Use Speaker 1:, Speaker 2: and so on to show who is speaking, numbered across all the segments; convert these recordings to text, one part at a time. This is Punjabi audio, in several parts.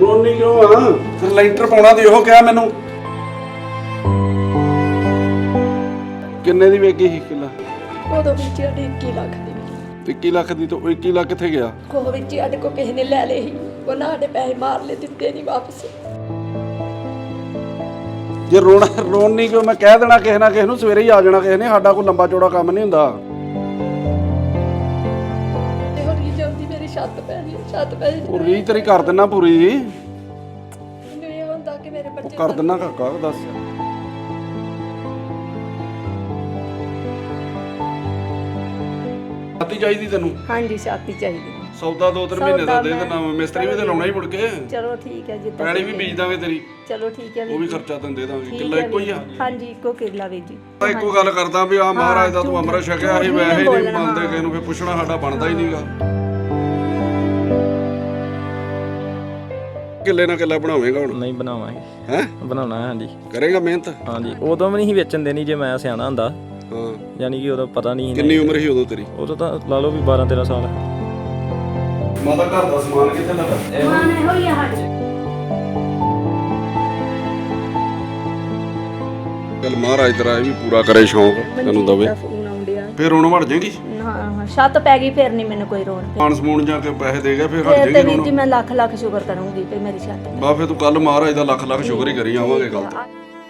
Speaker 1: ਰੋਣੀ ਕਿਉਂ ਆ? ਫਿਰ ਲੈਂਟਰ ਪਾਉਣਾ ਤੇ ਇਹੋ ਕਿਹਾ ਮੈਨੂੰ। ਕਿੰਨੇ ਦੀ ਵੇਚੀ ਸੀ ਕਿੱਲਾ?
Speaker 2: ਉਦੋਂ ਵਿੱਚ ਸਾਡੇ 21 ਲੱਖ ਦੀ
Speaker 1: 21 ਲੱਖ ਦੀ ਤਾਂ 21 ਲੱਖ ਕਿੱਥੇ ਗਿਆ?
Speaker 2: ਕੋਹ ਵਿੱਚ ਸਾਡੇ ਕੋ ਕਿਸੇ ਨੇ ਲੈ ਲਏ ਸੀ, ਉਹਨਾਂ ਸਾਡੇ ਪੈਸੇ ਮਾਰ ਲਏ, ਦਿੱਤੇ ਨਹੀਂ ਵਾਪਸ।
Speaker 1: ਜੇ ਰੋਣੀ ਕਿਉਂ? ਮੈਂ ਕਹਿ ਦੇਣਾ ਕਿਸੇ ਨਾ ਕਿਸੇ ਨੂੰ, ਸਵੇਰੇ ਹੀ ਆ ਜਾਣਾ ਕਿਸੇ ਨੇ। ਸਾਡਾ ਕੋਈ ਲੰਬਾ ਚੌੜਾ ਕੰਮ ਨਹੀਂ ਹੁੰਦਾ।
Speaker 2: ਛੱਤ ਪੈ ਗਈ, ਛੱਤ ਪੈ ਗਈ।
Speaker 1: ਉਹ ਰੀਝ ਤੇਰੀ ਕਰ ਦਿੰਨਾ ਪੂਰੀ।
Speaker 2: ਮੈਨੂੰ ਇਹ ਹੁੰਦਾ ਕਿ ਮੇਰੇ ਬੱਚੇ
Speaker 1: ਕਰ ਦਿੰਨਾ ਕਾਕਾ। ਦੱਸ ਛਾਤੀ ਚਾਹੀਦੀ ਤੈਨੂੰ?
Speaker 2: ਹਾਂਜੀ ਛਾਤੀ ਚਾਹੀਦੀ।
Speaker 1: ਸੌਦਾ 2-3 ਮਹੀਨੇ ਦਾ ਦੇ ਦੇਣਾ। ਮਿਸਤਰੀ ਵੀ ਤੇ ਲਾਉਣਾ ਹੀ ਮੁੜ ਕੇ।
Speaker 2: ਚਲੋ ਠੀਕ ਹੈ, ਜਿੱਦਾਂ
Speaker 1: ਪੈਲੀ ਵੀ ਬੀਜ ਦਾਂਗੇ ਤੇਰੀ।
Speaker 2: ਚਲੋ ਠੀਕ ਹੈ,
Speaker 1: ਉਹ ਵੀ ਖਰਚਾ ਤੈਨੂੰ ਦੇ ਦਾਂਗੇ। ਕਿੱਲਾ ਇੱਕੋ ਹੀ ਆ?
Speaker 2: ਹਾਂਜੀ ਇੱਕੋ ਕਿੱਲਾ ਵੀ ਜੀ।
Speaker 1: ਤਾਂ ਇੱਕੋ ਗੱਲ ਕਰਦਾ ਵੀ ਆ ਮਹਾਰਾਜ ਦਾ ਤੂੰ ਅੰਮ੍ਰਿਤ ਛਕਿਆ ਸੀ, ਵੈਸੇ ਹੀ ਨਹੀਂ ਮੰਨਦੇ ਕਿਸੇ ਨੂੰ। ਫਿਰ ਪੁੱਛਣਾ ਸਾਡਾ ਬਣਦਾ ਹੀ ਨਹੀਂਗਾ। ਕਿੱਲੇ ਨਾਲ ਕਿੱਲਾ ਬਣਾਵੇਂਗਾ ਹੁਣ?
Speaker 3: ਨਹੀਂ ਬਣਾਵਾਂਗੇ।
Speaker 1: ਹੈ
Speaker 3: ਬਣਾਉਣਾ ਹੈ। ਹਾਂਜੀ
Speaker 1: ਕਰੇਗਾ ਮਿਹਨਤ?
Speaker 3: ਹਾਂਜੀ। ਉਦੋਂ ਵੀ ਨਹੀਂ ਵੇਚਣ ਦੇਣੀ ਜੇ ਮੈਂ ਸਿਆਣਾ ਹੁੰਦਾ।
Speaker 1: ਹਾਂ
Speaker 3: ਯਾਨੀ ਕਿ ਉਦੋਂ ਪਤਾ ਨਹੀਂ।
Speaker 1: ਕਿੰਨੀ ਉਮਰ ਸੀ ਉਦੋਂ ਤੇਰੀ?
Speaker 3: ਉਦੋਂ ਤਾਂ ਲਾ ਲਓ ਵੀ 12-13 ਸਾਲ।
Speaker 1: ਮਾਤਾ ਘਰ ਦਾ ਸਮਾਨ ਕਿੱਥੇ ਲੱਗਾ?
Speaker 2: ਸਮਾਨ ਇਹੋ ਹੀ ਆ ਸਾਡੇ।
Speaker 1: ਚੱਲ ਮਹਾਰਾਜ ਤੇਰਾ ਇਹ ਵੀ ਪੂਰਾ ਕਰੇ ਸ਼ੌਂਕ ਤੈਨੂੰ ਦਵੇ।
Speaker 2: ਫੋਨ ਆਉਂਦਿਆ
Speaker 1: ਫਿਰ ਹੁਣ ਵੜ ਜਾਏਗੀ?
Speaker 2: ਹਾਂ ਛੱਤ ਪੈ ਗਈ, ਫਿਰ ਨਹੀਂ ਮੈਨੂੰ ਕੋਈ ਰੋਣ।
Speaker 1: ਪਾਣ ਸਮੂਣ ਜਾ ਕੇ ਪੈਸੇ ਦੇ ਗਿਆ ਫਿਰ ਹਟ
Speaker 2: ਤੇ
Speaker 1: ਜਾਏਗੀ
Speaker 2: ਵੀਰ ਜੀ ਮੈਂ ਲੱਖ ਲੱਖ ਸ਼ੁਕਰ ਕਰੂੰਗੀ ਤੇ ਮੇਰੀ ਛੱਤ।
Speaker 1: ਬਾ ਫਿਰ ਤੂੰ ਕੱਲ ਮਹਾਰਾਜ ਦਾ ਲੱਖ ਲੱਖ ਸ਼ੁਕਰ ਹੀ ਕਰੀ ਆਵਾਂਗੇ ਕੱਲ ਤੋਂ।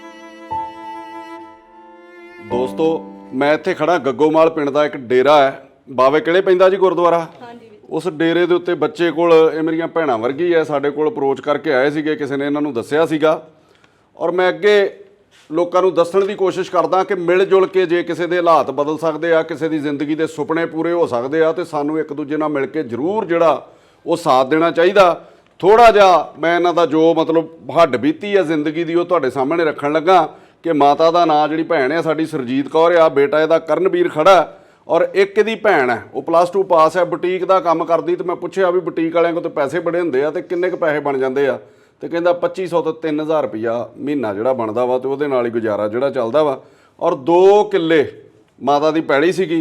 Speaker 1: ਦੋਸਤੋ ਮੈਂ ਇੱਥੇ ਖੜਾ ਗੱਗੋਮਾਲ ਪਿੰਡ ਦਾ ਇੱਕ ਡੇਰਾ ਹੈ। ਬਾਵੇ ਕਿਹੜੇ ਪੈਂਦਾ ਜੀ ਗੁਰਦੁਆਰਾ? ਉਸ ਡੇਰੇ ਦੇ ਉੱਤੇ ਬੱਚੇ ਕੋਲ, ਇਹ ਮੇਰੀਆਂ ਭੈਣਾਂ ਵਰਗੀ ਹੈ, ਸਾਡੇ ਕੋਲ ਅਪਰੋਚ ਕਰਕੇ ਆਏ ਸੀਗੇ। ਕਿਸੇ ਨੇ ਇਹਨਾਂ ਨੂੰ ਦੱਸਿਆ ਸੀਗਾ ਔਰ ਮੈਂ ਅੱਗੇ ਲੋਕਾਂ ਨੂੰ ਦੱਸਣ ਦੀ ਕੋਸ਼ਿਸ਼ ਕਰਦਾ ਕਿ ਮਿਲ ਜੁਲ ਕੇ ਜੇ ਕਿਸੇ ਦੇ ਹਾਲਾਤ ਬਦਲ ਸਕਦੇ ਆ, ਕਿਸੇ ਦੀ ਜ਼ਿੰਦਗੀ ਦੇ ਸੁਪਨੇ ਪੂਰੇ ਹੋ ਸਕਦੇ ਆ, ਤੇ ਸਾਨੂੰ ਇੱਕ ਦੂਜੇ ਨਾਲ ਮਿਲ ਕੇ ਜ਼ਰੂਰ ਜਿਹੜਾ ਉਹ ਸਾਥ ਦੇਣਾ ਚਾਹੀਦਾ। ਥੋੜ੍ਹਾ ਜਿਹਾ ਮੈਂ ਇਹਨਾਂ ਦਾ ਜੋ ਮਤਲਬ ਹੱਡ ਬੀਤੀ ਆ ਜ਼ਿੰਦਗੀ ਦੀ ਉਹ ਤੁਹਾਡੇ ਸਾਹਮਣੇ ਰੱਖਣ ਲੱਗਾ ਕਿ ਮਾਤਾ ਦਾ ਨਾਂ ਜਿਹੜੀ ਭੈਣ ਆ ਸਾਡੀ ਸਰਜੀਤ ਕੌਰ ਆ, ਬੇਟਾ ਇਹਦਾ ਕਰਨਵੀਰ ਖੜਾ ਔਰ ਇੱਕ ਇਹਦੀ ਭੈਣ ਹੈ ਉਹ +2 ਪਾਸ ਹੈ, ਬੁਟੀਕ ਦਾ ਕੰਮ ਕਰਦੀ। ਤੇ ਮੈਂ ਪੁੱਛਿਆ ਵੀ ਬੁਟੀਕ ਵਾਲਿਆਂ ਕੋਲ ਤਾਂ ਪੈਸੇ ਬੜੇ ਹੁੰਦੇ ਆ ਤੇ ਕਿੰਨੇ ਕੁ ਪੈਸੇ ਬਣ ਜਾਂਦੇ ਆ? ਤੇ ਕਹਿੰਦਾ 2500 ਤੋਂ 3000 ਰੁਪਈਆ ਮਹੀਨਾ ਜਿਹੜਾ ਬਣਦਾ ਵਾ ਤੇ ਉਹਦੇ ਨਾਲ ਹੀ ਗੁਜ਼ਾਰਾ ਜਿਹੜਾ ਚੱਲਦਾ ਵਾ। ਔਰ 2 ਕਿੱਲੇ ਮਾਤਾ ਦੀ ਪੈਲੀ ਸੀਗੀ।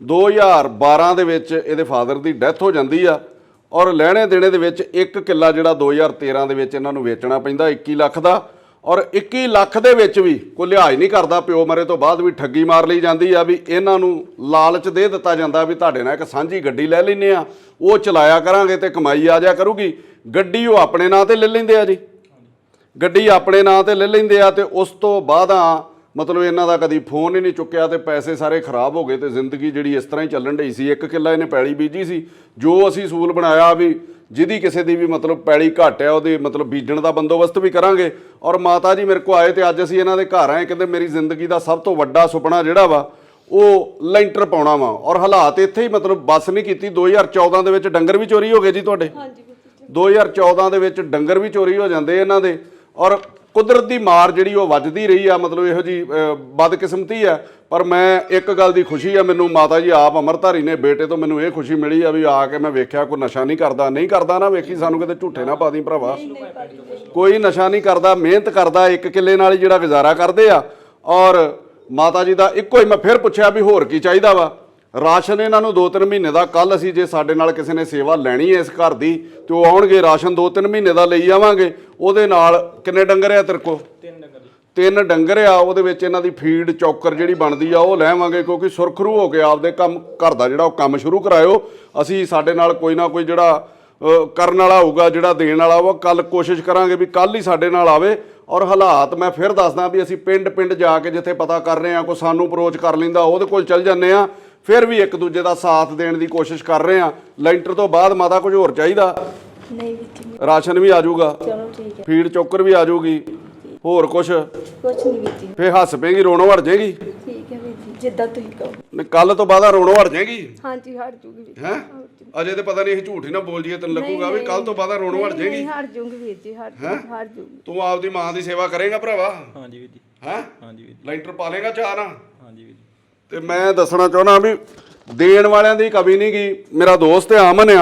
Speaker 1: 2012 ਦੇ ਵਿੱਚ ਇਹਦੇ ਫਾਦਰ ਦੀ ਡੈਥ ਹੋ ਜਾਂਦੀ ਆ ਔਰ ਲੈਣੇ ਦੇਣੇ ਦੇ ਵਿੱਚ 1 ਕਿੱਲਾ ਜਿਹੜਾ 2013 ਦੇ ਵਿੱਚ ਇਹਨਾਂ ਨੂੰ ਵੇਚਣਾ ਪੈਂਦਾ 21 ਲੱਖ ਦਾ। ਔਰ 21 ਲੱਖ ਦੇ ਵਿੱਚ ਵੀ ਕੋਈ ਲਿਹਾਜ਼ ਨਹੀਂ ਕਰਦਾ। ਪਿਓ ਮਰੇ ਤੋਂ ਬਾਅਦ ਵੀ ਠੱਗੀ ਮਾਰ ਲਈ ਜਾਂਦੀ ਆ ਵੀ ਇਹਨਾਂ ਨੂੰ ਲਾਲਚ ਦੇ ਦਿੱਤਾ ਜਾਂਦਾ ਵੀ ਤੁਹਾਡੇ ਨਾਲ ਇੱਕ ਸਾਂਝੀ ਗੱਡੀ ਲੈ ਲੈਂਦੇ ਆ, ਉਹ ਚਲਾਇਆ ਕਰਾਂਗੇ ਤੇ ਕਮਾਈ ਆ ਜਾਇਆ ਕਰੂਗੀ। ਗੱਡੀ ਉਹ ਆਪਣੇ ਨਾਂ ਤੇ ਲੈ ਲੈਂਦੇ ਆ ਜੀ, ਗੱਡੀ ਆਪਣੇ ਨਾਂ ਤੇ ਲੈ ਲੈਂਦੇ ਆ। ਤੇ ਉਸ ਤੋਂ ਬਾਅਦ ਮਤਲਬ ਇਹਨਾਂ ਦਾ ਕਦੀ ਫੋਨ ਹੀ ਨਹੀਂ ਚੁੱਕਿਆ ਤੇ ਪੈਸੇ ਸਾਰੇ ਖਰਾਬ ਹੋ ਗਏ ਤੇ ਜ਼ਿੰਦਗੀ ਜਿਹੜੀ ਇਸ ਤਰ੍ਹਾਂ ਹੀ ਚੱਲਣ ਢਈ ਸੀ। 1 ਕਿੱਲਾ ਇਹਨੇ ਪੈਲੀ ਬੀਜੀ ਸੀ। ਜੋ ਅਸੀਂ ਅਸੂਲ ਬਣਾਇਆ ਵੀ ਜਿਹਦੀ ਕਿਸੇ ਦੀ ਵੀ ਮਤਲਬ ਪੈਲੀ ਘੱਟ ਆ ਉਹਦੇ ਮਤਲਬ ਬੀਜਣ ਦਾ ਬੰਦੋਬਸਤ ਵੀ ਕਰਾਂਗੇ। ਔਰ ਮਾਤਾ ਜੀ ਮੇਰੇ ਕੋਲ ਆਏ ਤੇ ਅੱਜ ਅਸੀਂ ਇਹਨਾਂ ਦੇ ਘਰ ਆਏ। ਕਹਿੰਦੇ ਮੇਰੀ ਜ਼ਿੰਦਗੀ ਦਾ ਸਭ ਤੋਂ ਵੱਡਾ ਸੁਪਨਾ ਜਿਹੜਾ ਵਾ ਉਹ ਲੈਂਟਰ ਪਾਉਣਾ ਵਾ। ਔਰ ਹਾਲਾਤ ਇੱਥੇ ਹੀ ਮਤਲਬ ਬੱਸ ਨਹੀਂ ਕੀਤੀ। 2014 ਦੇ ਵਿੱਚ ਡੰਗਰ ਵੀ ਚੋਰੀ ਹੋ ਗਏ ਜੀ ਤੁਹਾਡੇ। 2014 ਦੇ ਵਿੱਚ ਡੰਗਰ ਵੀ ਚੋਰੀ ਹੋ ਜਾਂਦੇ ਇਹਨਾਂ ਦੇ। ਔਰ ਕੁਦਰਤ ਦੀ ਮਾਰ ਜਿਹੜੀ ਉਹ ਵੱਜਦੀ ਰਹੀ ਆ, ਮਤਲਬ ਇਹੋ ਜੀ ਬਦਕਿਸਮਤੀ ਆ। ਪਰ ਮੈਂ ਇੱਕ ਗੱਲ ਦੀ ਖੁਸ਼ੀ ਆ ਮੈਨੂੰ, ਮਾਤਾ ਜੀ ਆਪ ਅੰਮ੍ਰਿਤਧਾਰੀ ਨੇ, ਬੇਟੇ ਤੋਂ ਮੈਨੂੰ ਇਹ ਖੁਸ਼ੀ ਮਿਲੀ ਆ ਵੀ ਆ ਕੇ ਮੈਂ ਵੇਖਿਆ ਕੋਈ ਨਸ਼ਾ ਨਹੀਂ ਕਰਦਾ ਨਾ ਵੇਖੀ ਸਾਨੂੰ ਕਿਤੇ ਝੂਠੇ ਨਾ ਪਾ ਦੀ ਭਰਾਵਾ। ਕੋਈ ਨਸ਼ਾ ਨਹੀਂ ਕਰਦਾ, ਮਿਹਨਤ ਕਰਦਾ, 1 ਕਿੱਲੇ ਨਾਲ ਹੀ ਜਿਹੜਾ ਗੁਜ਼ਾਰਾ ਕਰਦੇ ਆ। ਔਰ ਮਾਤਾ ਜੀ ਦਾ ਇੱਕੋ ਹੀ, ਮੈਂ ਫਿਰ ਪੁੱਛਿਆ ਵੀ ਹੋਰ ਕੀ ਚਾਹੀਦਾ ਵਾ? ਰਾਸ਼ਨ ਇਹਨਾਂ ਨੂੰ 2-3 ਮਹੀਨੇ ਦਾ। ਕੱਲ ਅਸੀਂ ਜੇ ਸਾਡੇ ਨਾਲ ਕਿਸੇ ਨੇ ਸੇਵਾ ਲੈਣੀ ਹੈ ਇਸ ਘਰ ਦੀ ਤੇ ਉਹ ਆਉਣਗੇ, ਰਾਸ਼ਨ 2-3 ਮਹੀਨੇ ਦਾ ਲਈ ਆਵਾਂਗੇ। ਉਹਦੇ ਨਾਲ ਕਿੰਨੇ ਡੰਗਰ ਆ ਤੇਰੇ ਕੋਲ? 3 ਡੰਗਰ ਆ। ਉਹਦੇ ਵਿੱਚ ਇਹਨਾਂ ਦੀ ਫੀਡ ਚੌਕਰ ਜਿਹੜੀ ਬਣਦੀ ਆ ਉਹ ਲੈਵਾਂਗੇ, ਕਿਉਂਕਿ ਸੁਰਖਰੂ ਹੋ ਕੇ ਆਪਦੇ ਕੰਮ ਘਰ ਦਾ ਜਿਹੜਾ ਉਹ ਕੰਮ ਸ਼ੁਰੂ ਕਰਾਇਓ। ਅਸੀਂ ਸਾਡੇ ਨਾਲ ਕੋਈ ਨਾ ਕੋਈ ਜਿਹੜਾ ਕਰਨ ਵਾਲਾ ਹੋਊਗਾ, ਜਿਹੜਾ ਦੇਣ ਵਾਲਾ ਉਹ ਕੱਲ ਕੋਸ਼ਿਸ਼ ਕਰਾਂਗੇ ਵੀ ਕੱਲ ਹੀ ਸਾਡੇ ਨਾਲ ਆਵੇ। ਔਰ ਹਾਲਾਤ ਮੈਂ ਫਿਰ ਦੱਸਦਾ ਵੀ ਅਸੀਂ ਪਿੰਡ ਜਾ ਕੇ ਜਿੱਥੇ ਪਤਾ ਕਰ ਰਹੇ ਹਾਂ, ਕੋਈ ਸਾਨੂੰ ਅਪਰੋਚ ਕਰ ਲੈਂਦਾ ਉਹਦੇ ਕੋਲ ਚੱਲ ਜਾਂਦੇ ਆ। ਫਿਰ ਵੀ ਇੱਕ ਦੂਜੇ ਦਾ ਸਾਥ ਦੇਣ ਦੀ ਕੋਸ਼ਿਸ਼ ਕਰ ਰਹੇ ਆ। ਲੈਂਟਰ ਤੋਂ ਬਾਅਦ ਮਾਤਾ ਕੁਝ ਹੋਰ ਚਾਹੀਦਾ?
Speaker 2: ਨਹੀਂ ਵੀਰ,
Speaker 1: ਰਾਸ਼ਨ ਵੀ ਆ ਜਾਊਗਾ,
Speaker 2: ਚਲੋ ਠੀਕ ਹੈ,
Speaker 1: ਫੀਡ ਚੋਕਰ ਵੀ ਆ ਜਾਊਗੀ, ਹੋਰ ਕੁਝ
Speaker 2: ਨਹੀਂ ਵੀਰ।
Speaker 1: ਫੇ ਹੱਸ ਪੇਗੀ, ਰੋਣੋਂ ਹਟ ਜਾਏਗੀ।
Speaker 2: ਠੀਕ ਹੈ ਵੀਰ ਜੀ, ਜਿੱਦਾਂ ਤੁਸੀਂ ਕਹੋ।
Speaker 1: ਕੱਲ ਤੋਂ ਬਾਅਦ ਰੋਣੋਂ ਹਟ ਜਾਏਗੀ?
Speaker 2: ਹਾਂਜੀ ਹਟ ਜੂਗੀ ਵੀਰ।
Speaker 1: ਹੈ ਅਜੇ ਤੇ ਪਤਾ ਨਹੀਂ ਇਹ ਝੂਠ ਹੀ ਨਾ ਬੋਲ ਜੀਏ, ਤੈਨੂੰ ਲੱਗੂਗਾ ਵੀ ਕੱਲ ਤੋਂ ਬਾਅਦ ਰੋਣੋਂ ਹਟ ਜਾਏਗੀ।
Speaker 2: ਹਟ ਜੂਗੀ ਵੀਰ ਜੀ, ਹਟ ਜੂਗੀ।
Speaker 1: ਤੂੰ ਆਪਦੀ ਮਾਂ ਦੀ ਸੇਵਾ ਕਰੇਗਾ ਭਰਾਵਾ?
Speaker 3: ਹਾਂਜੀ ਵੀਰ ਜੀ।
Speaker 1: ਹੈ
Speaker 3: ਹਾਂਜੀ ਵੀਰ ਜੀ।
Speaker 1: ਲੈਂਟਰ ਪਾ ਲੇਗਾ ਚਾਹ ਨਾ?
Speaker 3: ਹਾਂਜੀ ਵੀਰ ਜੀ।
Speaker 1: ਤੇ ਮੈਂ ਦੱਸਣਾ ਚਾਹੁੰਦਾ ਵੀ ਦੇਣ ਵਾਲਿਆਂ ਦੀ ਕਮੀ ਨਹੀਂ ਗਈ। ਮੇਰਾ ਦੋਸਤ ਹੈ ਅਮਨ ਆ,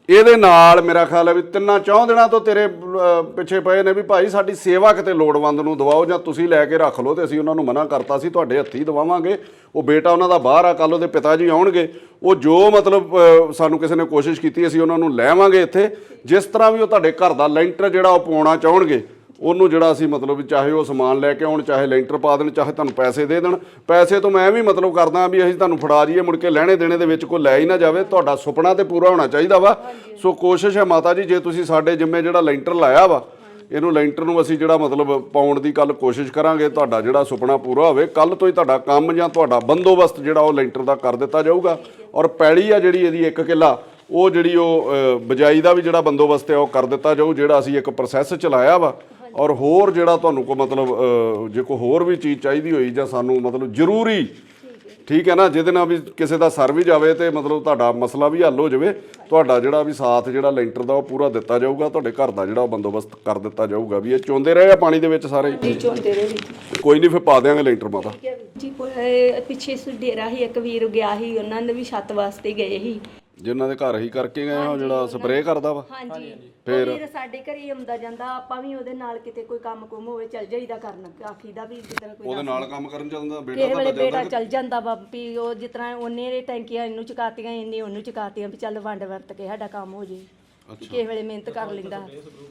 Speaker 1: ਇਹਦੇ ਨਾਲ ਮੇਰਾ ਖਿਆਲ ਹੈ ਵੀ 3-4 ਦਿਨਾਂ ਤੋਂ ਤੇਰੇ ਪਿੱਛੇ ਪਏ ਨੇ ਵੀ ਭਾਈ ਸਾਡੀ ਸੇਵਾ ਕਿਤੇ ਲੋੜਵੰਦ ਨੂੰ ਦਵਾਓ ਜਾਂ ਤੁਸੀਂ ਲੈ ਕੇ ਰੱਖ ਲਓ, ਤੇ ਅਸੀਂ ਉਹਨਾਂ ਨੂੰ ਮਨਾ ਕਰਤਾ ਸੀ ਤੁਹਾਡੇ ਹੱਥੀਂ ਦਵਾਵਾਂਗੇ। ਉਹ ਬੇਟਾ ਉਹਨਾਂ ਦਾ ਬਾਹਰ ਆ, ਕੱਲ੍ਹ ਉਹਦੇ ਪਿਤਾ ਜੀ ਆਉਣਗੇ, ਉਹ ਜੋ ਮਤਲਬ ਸਾਨੂੰ ਕਿਸੇ ਨੇ ਕੋਸ਼ਿਸ਼ ਕੀਤੀ ਅਸੀਂ ਉਹਨਾਂ ਨੂੰ ਲੈਵਾਂਗੇ ਇੱਥੇ। ਜਿਸ ਤਰ੍ਹਾਂ ਵੀ ਉਹ ਤੁਹਾਡੇ ਘਰ ਦਾ ਲੈਂਟਰ ਜਿਹੜਾ ਉਹ ਪਾਉਣਾ ਚਾਹਣਗੇ ਉਹਨੂੰ ਜਿਹੜਾ ਅਸੀਂ ਮਤਲਬ ਵੀ ਚਾਹੇ ਉਹ ਸਮਾਨ ਲੈ ਕੇ ਆਉਣ, ਚਾਹੇ ਲੈਂਟਰ ਪਾ ਦੇਣ, ਚਾਹੇ ਤੁਹਾਨੂੰ ਪੈਸੇ ਦੇ ਦੇਣ। ਪੈਸੇ ਤੋਂ ਮੈਂ ਵੀ ਮਤਲਬ ਕਰਦਾ ਵੀ ਅਸੀਂ ਤੁਹਾਨੂੰ ਫੜਾ ਜਾਈਏ, ਮੁੜ ਕੇ ਲੈਣੇ ਦੇਣੇ ਦੇ ਵਿੱਚ ਕੋਈ ਲੈ ਹੀ ਨਾ ਜਾਵੇ। ਤੁਹਾਡਾ ਸੁਪਨਾ ਤੇ ਪੂਰਾ ਹੋਣਾ ਚਾਹੀਦਾ ਵਾ। ਸੋ ਕੋਸ਼ਿਸ਼ ਹੈ ਮਾਤਾ ਜੀ, ਜੇ ਤੁਸੀਂ ਸਾਡੇ ਜਿੰਮੇ ਜਿਹੜਾ ਲੈਂਟਰ ਲਾਇਆ ਵਾ, ਇਹਨੂੰ ਲੈਂਟਰ ਨੂੰ ਅਸੀਂ ਜਿਹੜਾ ਮਤਲਬ ਪਾਉਣ ਦੀ ਕੱਲ ਕੋਸ਼ਿਸ਼ ਕਰਾਂਗੇ, ਤੁਹਾਡਾ ਜਿਹੜਾ ਸੁਪਨਾ ਪੂਰਾ ਹੋਵੇ। ਕੱਲ ਤੋਂ ਹੀ ਤੁਹਾਡਾ ਕੰਮ ਜਾਂ ਤੁਹਾਡਾ ਬੰਦੋਬਸਤ ਜਿਹੜਾ ਉਹ ਲੈਂਟਰ ਦਾ ਕਰ ਦਿੱਤਾ ਜਾਊਗਾ। ਔਰ ਪੈਲੀ ਆ ਜਿਹੜੀ ਇਹਦੀ 1 ਕਿੱਲਾ, ਉਹ ਜਿਹੜੀ ਉਹ ਬਿਜਾਈ ਦਾ ਵੀ ਜਿਹੜਾ ਬੰਦੋਬਸਤ ਹੈ ਉਹ ਕਰ ਦਿੱਤਾ ਜਾਊ, ਜਿਹੜਾ ਅਸੀਂ ਇੱਕ ਪ੍ਰੋਸੈਸ ਚਲਾਇਆ ਵਾ। ਔਰ ਹੋਰ ਜਿਹੜਾ ਤੁਹਾਨੂੰ ਕੋਈ ਮਤਲਬ ਜੇ ਕੋਈ ਹੋਰ ਵੀ ਚੀਜ਼ ਚਾਹੀਦੀ ਹੋਈ ਜਾਂ ਸਾਨੂੰ ਮਤਲਬ ਜ਼ਰੂਰੀ, ਠੀਕ ਹੈ ਨਾ, ਜਿਹਦੇ ਨਾਲ ਵੀ ਕਿਸੇ ਦਾ ਸਰ ਵੀ ਜਾਵੇ ਤੇ ਮਤਲਬ ਤੁਹਾਡਾ ਮਸਲਾ ਵੀ ਹੱਲ ਹੋ ਜਾਵੇ, ਤੁਹਾਡਾ ਜਿਹੜਾ ਵੀ ਸਾਥ ਜਿਹੜਾ ਲੈਂਟਰ ਦਾ ਉਹ ਪੂਰਾ ਦਿੱਤਾ ਜਾਊਗਾ। ਤੁਹਾਡੇ ਘਰ ਦਾ ਜਿਹੜਾ ਉਹ ਬੰਦੋਬਸਤ ਕਰ ਦਿੱਤਾ ਜਾਊਗਾ। ਵੀ ਇਹ ਚੋਂਦੇ ਰਹੇ ਆ ਪਾਣੀ ਦੇ ਵਿੱਚ ਸਾਰੇ
Speaker 2: ਜੀ, ਚੋਂਦੇ ਰਹੇ
Speaker 1: ਕੋਈ ਨਹੀਂ, ਫਿਰ ਪਾ ਦਿਆਂਗੇ ਲੈਂਟਰ ਮਾਤਾ
Speaker 2: ਜੀ। ਪਿੱਛੇ ਡੇਰਾ ਸੀ, ਇੱਕ ਵੀਰ ਗਿਆ ਸੀ, ਉਹਨਾਂ ਨੇ ਵੀ ਛੱਤ ਵਾਸਤੇ ਗਏ ਸੀ,
Speaker 1: ਜਿਨ੍ਹਾਂ ਦੇ ਘਰ ਹੀ ਕਰਕੇ ਗਏ ਉਹ ਜਿਹੜਾ ਸਪਰੇਅ ਕਰਦਾ ਵਾ।
Speaker 2: ਹਾਂਜੀ, ਫਿਰ ਵੀਰ ਸਾਡੇ ਘਰੇ ਹੀ ਆਉਂਦਾ ਜਾਂਦਾ, ਆਪਾਂ ਵੀ ਉਹਦੇ ਨਾਲ ਕਿਤੇ ਕੋਈ ਕੰਮ ਕੁਮ ਹੋਵੇ ਚੱਲ ਜਾਈਦਾ ਕਰਨ। ਆਖੀਦਾ ਵੀ ਜਿੱਦਾਂ ਕੋਈ
Speaker 1: ਉਹਦੇ ਨਾਲ ਕੰਮ ਕਰਨ ਚੱਲਦਾ ਬੇਟਾ
Speaker 2: ਕਿਸੇ ਵੇਲੇ ਬੇਟਾ ਚੱਲ ਜਾਂਦਾ ਵਾ ਵੀ ਉਹ ਜਿਸ ਤਰ੍ਹਾਂ ਉਹਨੇ ਟੈਂਕੀਆਂ ਇਹਨੂੰ ਚੁਕਾਤੀਆਂ, ਇਹਨੇ ਉਹਨੂੰ ਚੁਕਾਤੀਆਂ, ਵੀ ਚੱਲ ਵੰਡ ਵਰਤ ਕੇ ਸਾਡਾ ਕੰਮ ਹੋ ਜੇ। ਕਿਸੇ ਵੇਲੇ ਮਿਹਨਤ ਕਰ ਲੈਂਦਾ,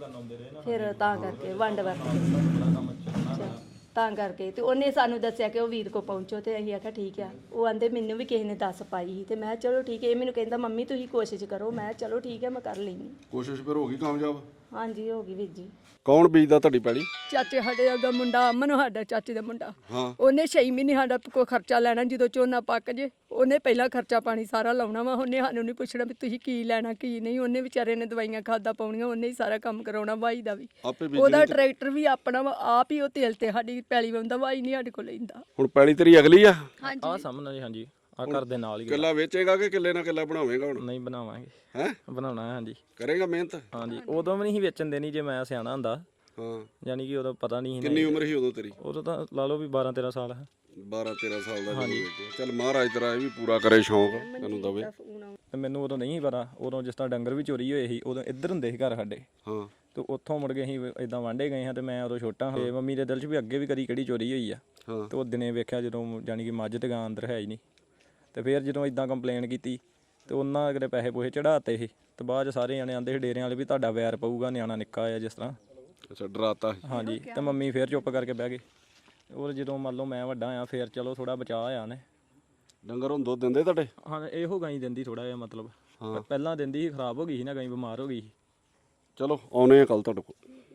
Speaker 2: ਫਿਰ ਤਾਂ ਕਰਕੇ ਵੰਡ ਵਰਤ ਕੇ ਤਾਂ ਕਰਕੇ। ਤੇ ਉਹਨੇ ਸਾਨੂੰ ਦੱਸਿਆ ਕਿ ਉਹ ਵੀਰ ਕੋ ਪਹੁੰਚੋ, ਤੇ ਅਸੀਂ ਆਖਿਆ ਠੀਕ ਆ। ਉਹ ਆਂਦੇ ਮੈਨੂੰ ਵੀ ਕਿਸੇ ਨੇ ਦੱਸ ਪਾਈ ਸੀ, ਤੇ ਮੈਂ ਚਲੋ ਠੀਕ ਹੈ। ਇਹ ਮੈਨੂੰ ਕਹਿੰਦਾ ਮੰਮੀ ਤੁਸੀਂ ਕੋਸ਼ਿਸ਼ ਕਰੋ, ਮੈਂ ਚਲੋ ਠੀਕ ਹੈ ਮੈਂ ਕਰ ਲੈਂਦੀ।
Speaker 1: ਕੋਸ਼ਿਸ਼ ਫਿਰ ਹੋ ਗਈ ਕਾਮਯਾਬ?
Speaker 2: ਹਾਂਜੀ ਹੋ ਗਈ ਵੀਰ ਜੀ।
Speaker 1: ਕੌਣ ਬੀਜਦਾ ਤੁਹਾਡੀ ਪੈਲੀ?
Speaker 2: ਚਾਚੇ ਸਾਡੇ ਦਾ ਮੁੰਡਾ ਅਮਨ, ਸਾਡਾ ਚਾਚੇ ਦਾ ਮੁੰਡਾ,
Speaker 1: ਹਾਂ।
Speaker 2: ਉਹਨੇ 6 ਮਹੀਨੇ ਸਾਡਾ ਕੋਈ ਖਰਚਾ ਲੈਣਾ। ਜਦੋਂ ਝੋਨਾ ਪੱਕ ਜੇ ਉਹਨੇ ਪਹਿਲਾਂ ਖਰਚਾ ਪਾਣੀ ਸਾਰਾ ਲਾਉਣਾ ਵਾ। ਉਹਨੇ ਸਾਨੂੰ ਨਹੀਂ ਪੁੱਛਣਾ ਵੀ ਤੁਸੀਂ ਕੀ ਲੈਣਾ ਕੀ ਨਹੀਂ। ਉਹਨੇ ਵਿਚਾਰੇ ਨੇ ਦਵਾਈਆਂ ਖਾਦਾਂ ਪਾਉਣੀਆਂ, ਉਹਨੇ ਹੀ ਸਾਰਾ ਕੰਮ ਕਰਾਉਣਾ। ਵਾਈ ਦਾ ਵੀ ਉਹਦਾ ਟਰੈਕਟਰ ਵੀ ਆਪਣਾ ਵਾ, ਆਪ ਹੀ ਉਹ ਤੇਲ ਤੇ ਸਾਡੀ ਪੈਲੀ ਵਾਉਂਦਾ, ਵਾਈ ਨਹੀਂ ਸਾਡੇ ਕੋਲ ਲੈਂਦਾ।
Speaker 1: ਹੁਣ ਪੈਲੀ ਤੇਰੀ ਅਗਲੀ ਆ?
Speaker 3: ਆ ਸਾਹਮਣੇ ਜੀ, ਹਾਂਜੀ ਆ ਘਰ ਦੇ ਨਾਲ ਹੀ।
Speaker 1: ਕਿੱਲਾ ਵੇਚੇਗਾ ਕਿ ਕਿੱਲੇ ਨਾਲ ਕਿੱਲਾ ਬਣਾਵੇਂਗਾ ਹੁਣ?
Speaker 3: ਨਹੀਂ ਬਣਾਵਾਂਗੇ।
Speaker 1: ਹੈ
Speaker 3: ਬਣਾਉਣਾ ਹੈ, ਹਾਂਜੀ।
Speaker 1: ਕਰੇਗਾ ਮਿਹਨਤ?
Speaker 3: ਹਾਂਜੀ, ਉਦੋਂ ਵੀ ਨਹੀਂ ਵੇਚਣ ਦੇਣੀ ਜੇ ਮੈਂ ਸਿਆਣਾ ਹੁੰਦਾ।
Speaker 1: ਹਾਂ,
Speaker 3: ਯਾਨੀ ਕਿ ਉਦੋਂ ਪਤਾ ਨਹੀਂ ਸੀ।
Speaker 1: ਕਿੰਨੀ ਉਮਰ ਸੀ ਉਦੋਂ ਤੇਰੀ?
Speaker 3: ਉਦੋਂ ਤਾਂ ਲਾ ਲਓ ਵੀ 12-13 ਸਾਲ ਹੈ।
Speaker 1: 12-13 ਸਾਲ ਦਾ ਜਦੋਂ ਵੇਚਿਆ। ਚੱਲ ਮਹਾਰਾਜ ਤੇਰਾ ਇਹ ਵੀ ਪੂਰਾ ਕਰੇ ਸ਼ੌਂਕ, ਤੈਨੂੰ ਦਵੇ।
Speaker 3: ਤੇ ਮੈਨੂੰ ਉਦੋਂ ਨਹੀਂ ਪਤਾ, ਉਦੋਂ ਜਿਸ ਤਰ੍ਹਾਂ ਡੰਗਰ ਵੀ ਚੋਰੀ ਹੋਏ ਸੀ, ਉਦੋਂ ਇੱਧਰ ਹੁੰਦੇ ਸੀ ਘਰ ਸਾਡੇ।
Speaker 1: ਹਾਂ।
Speaker 3: ਤੇ ਉੱਥੋਂ ਮੁੜ ਕੇ ਅਸੀਂ ਇਦਾਂ ਵਾਂਢੇ ਗਏ ਹਾਂ, ਤੇ ਮੈਂ ਉਦੋਂ ਛੋਟਾ ਹਾਂ। ਤੇ ਮੰਮੀ ਦੇ ਦਿਲ 'ਚ ਵੀ ਅੱਗੇ ਵੀ ਕਦੀ ਕਿਹੜੀ ਚੋਰੀ ਹੋਈ ਆ।
Speaker 1: ਹਾਂ।
Speaker 3: ਤੇ ਉਹ ਦਿਨੇ ਵੇਖਿਆ ਜਦੋਂ ਯਾਨੀ ਕਿ ਮੱਝ ਤੇ ਗਾਂ ਅੰਦਰ ਹੈ ਹੀ ਨਹੀਂ। ਤੇ ਫਿਰ ਜਦੋਂ ਇਦਾਂ ਕੰਪਲੇਨ ਕੀਤੀ ਤੇ ਉਹਨਾਂ ਅਗਲੇ ਪੈਸੇ ਪੂਸੇ ਚੜਾਤੇ ਸੀ। ਤੇ ਬਾਅਦ 'ਚ ਸਾਰੇ ਜਾਣੇ ਆਂਦੇ ਸੀ ਡੇਰਿਆਂ ਵਾਲੇ ਵੀ ਤੁਹਾਡਾ ਵੈਰ ਪਊਗਾ, ਨਿਆਣਾ ਨਿੱਕਾ ਆ ਜਿਸ ਤਰ੍ਹਾਂ।
Speaker 1: ਅੱਛਾ, ਡਰਾਤਾ?
Speaker 3: ਹਾਂਜੀ। ਤੇ ਮੰਮੀ ਫਿਰ ਚੁੱਪ ਕਰਕੇ ਬਹਿ ਗਏ। ਔਰ ਜਦੋਂ ਮੰਨ ਲਓ ਮੈਂ ਵੱਡਾ ਆ, ਫਿਰ ਚਲੋ ਥੋੜਾ ਬਚਾਅ ਆ ਨੇ।
Speaker 1: ਡੰਗਰ ਹੁਣ ਦੁੱਧ ਦਿੰਦੇ ਤੁਹਾਡੇ?
Speaker 3: ਹਾਂ, ਇਹੋ ਗਾਈ ਦਿੰਦੀ ਥੋੜਾ ਜਿਹਾ, ਮਤਲਬ ਪਹਿਲਾਂ ਦਿੰਦੀ ਸੀ, ਖਰਾਬ ਹੋ ਗਈ ਸੀ ਨਾ ਗਾਈ, ਬਿਮਾਰ ਹੋ ਗਈ ਸੀ।
Speaker 1: ਚਲੋ ਆਉਨੇ ਆ ਕੱਲ ਤੁਹਾਡੇ ਕੋਲ।